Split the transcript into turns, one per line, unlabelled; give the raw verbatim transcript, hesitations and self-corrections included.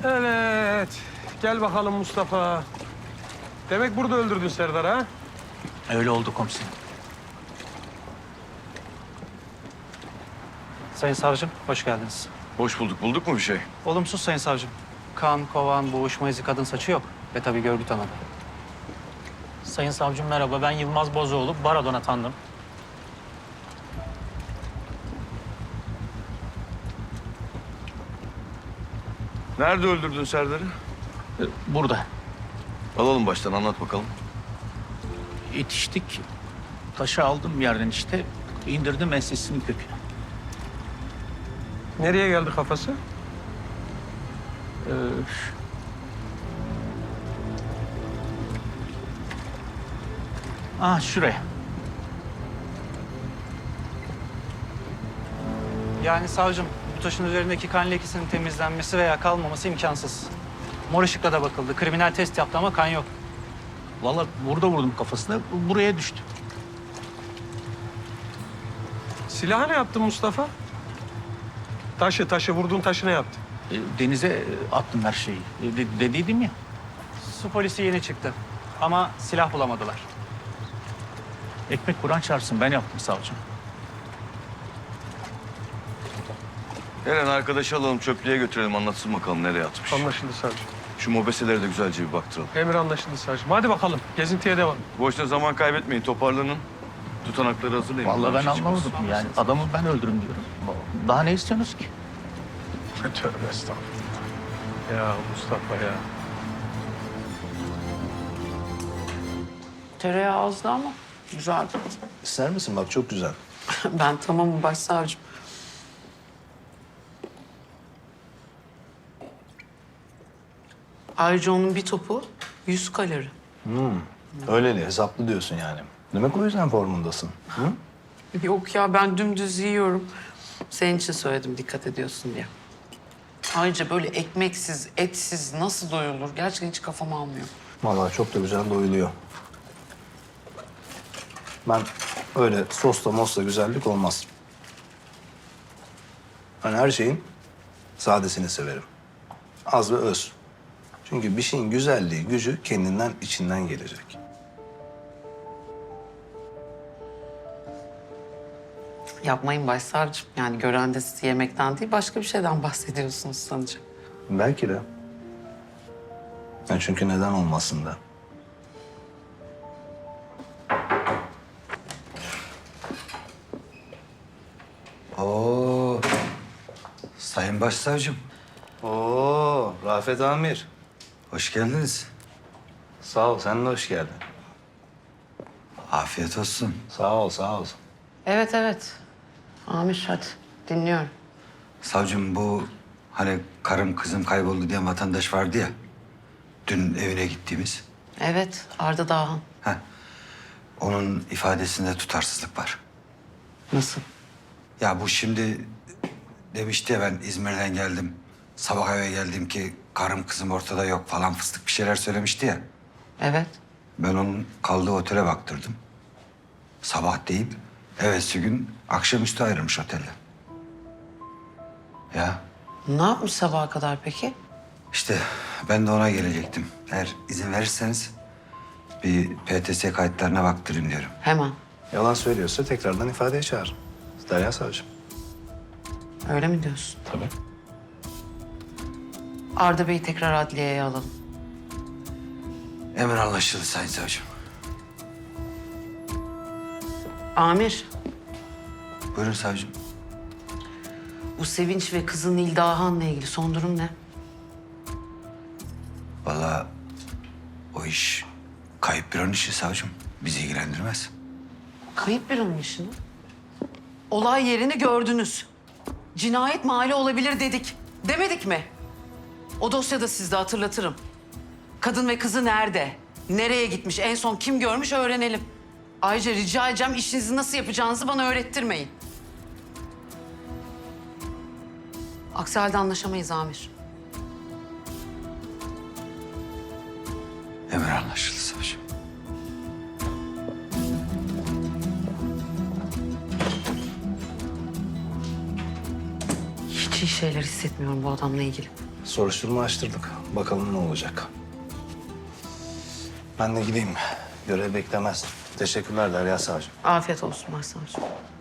Evet. Gel bakalım Mustafa. Demek burada öldürdün Serdar'ı ha?
Öyle oldu komiserim. Sayın savcım, hoş geldiniz.
Hoş bulduk. Bulduk mu bir şey?
Olumsuz sayın savcım. Kan, kovan, boğuşma izi, kadın saçı yok. Ve tabii görgü tanıdı.
Sayın savcım merhaba, ben Yılmaz Bozoğlu, Baradon atandım.
Nerede öldürdün Serdar'ı?
Burada.
Alalım baştan anlat bakalım.
İtiştik. Taşı aldım yerden işte. İndirdim ensesinin köküne.
Nereye geldi kafası?
Ee, ah şuraya. Yani savcım, bu taşın üzerindeki kan lekesinin temizlenmesi veya kalmaması imkansız. Mor ışıkla da bakıldı. Kriminal test yaptı ama kan yok. Vallahi burada vurdum kafasına, buraya düştü.
Silahı ne yaptın Mustafa? Taşı, taşı. Vurduğun taşı ne yaptın?
E, Denize attım her şeyi. E, de- dediydim ya.
Su polisi yeni çıktı ama silah bulamadılar.
Ekmek Kur'an çarpsın, ben yaptım savcım.
Eren arkadaşı alalım çöplüğe götürelim anlatsın bakalım nereye atmış.
Anlaşıldı savcım.
Şu mobeselere de güzelce bir baktıralım.
Emir anlaşıldı savcım. Hadi bakalım. Gezintiye devam.
Boşuna zaman kaybetmeyin toparlanın. Tutanakları hazırlayın.
Vallahi
Bunlar
ben
bir şey çıkmasın.
anlamadım yani. Adamı ben öldürüm diyorum. Daha ne istiyorsunuz ki?
Tövbe estağfurullah. Ya Mustafa ya.
Tereyağı azdı ama güzeldi.
İster misin? Bak çok güzel.
Ben tamamım başsavcım. Ayrıca onun bir topu yüz kalori.
Öyleli, hesaplı diyorsun yani. Demek o yüzden formundasın. Hı?
Yok ya ben dümdüz yiyorum. Senin için söyledim dikkat ediyorsun diye. Ayrıca böyle ekmeksiz, etsiz nasıl doyulur? Gerçekten hiç kafam almıyor.
Vallahi çok da güzel doyuluyor. Ben öyle sosla mosla güzellik olmaz. Ben her şeyin sadesini severim. Az ve öz. Çünkü bir şeyin güzelliği, gücü kendinden, içinden gelecek.
Yapmayın başsavcım. Yani gören de sizi yemekten değil başka bir şeyden bahsediyorsunuz sanacak.
Belki de. Yani çünkü neden olmasın da.
Oo, Sayın Başsavcım,
Oo, Rafet Amir.
hoş geldiniz.
Sağ ol, sen de hoş geldin.
Afiyet olsun.
Sağ ol, sağ ol.
Evet evet. Amir hadi dinliyorum.
Savcım bu hani karım kızım kayboldu diye vatandaş vardı ya. Dün evine gittiğimiz.
Evet Arda Dağhan.
Heh, onun ifadesinde tutarsızlık var.
Nasıl?
Ya bu şimdi demişti ya ben İzmir'den geldim. Sabah eve geldim ki karım kızım ortada yok falan fıstık bir şeyler söylemişti ya.
Evet.
Ben onun kaldığı otele baktırdım. Sabah deyip evvelsi gün akşamüstü ayrılmış otelde. Ya
Ne yapmış sabaha kadar peki?
işte ben de ona gelecektim. Eğer izin verirseniz bir P T S kayıtlarına baktırayım diyorum.
Hemen.
Yalan söylüyorsa tekrardan ifadeye çağır. Derya Savcım.
Öyle mi diyorsun?
Tabii.
Arda Bey'i tekrar adliyeye alalım.
Emir anlaşıldı Sayın Savcım.
Amir,
Buyurun savcım.
bu Sevinç ve kızı Nil Dağhan'la ilgili son durum ne?
Vallahi o iş kayıp bir an işi savcım. Bizi ilgilendirmez.
Kayıp bir onun işi mi? Olay yerini gördünüz. Cinayet mahalli olabilir dedik. Demedik mi? O dosyada sizde hatırlatırım. Kadın ve kızı nerede? Nereye gitmiş? En son kim görmüş öğrenelim. Ayrıca rica edeceğim işinizi nasıl yapacağınızı bana öğrettirmeyin. Aksi halde anlaşamayız Amir.
Emir anlaşıldı savcım.
Hiç iyi şeyler hissetmiyorum bu adamla ilgili.
Soruşturma açtırdık. Bakalım ne olacak. Ben de gideyim. Görev beklemez. Teşekkürler Derya Savcım.
Afiyet olsun başsavcım.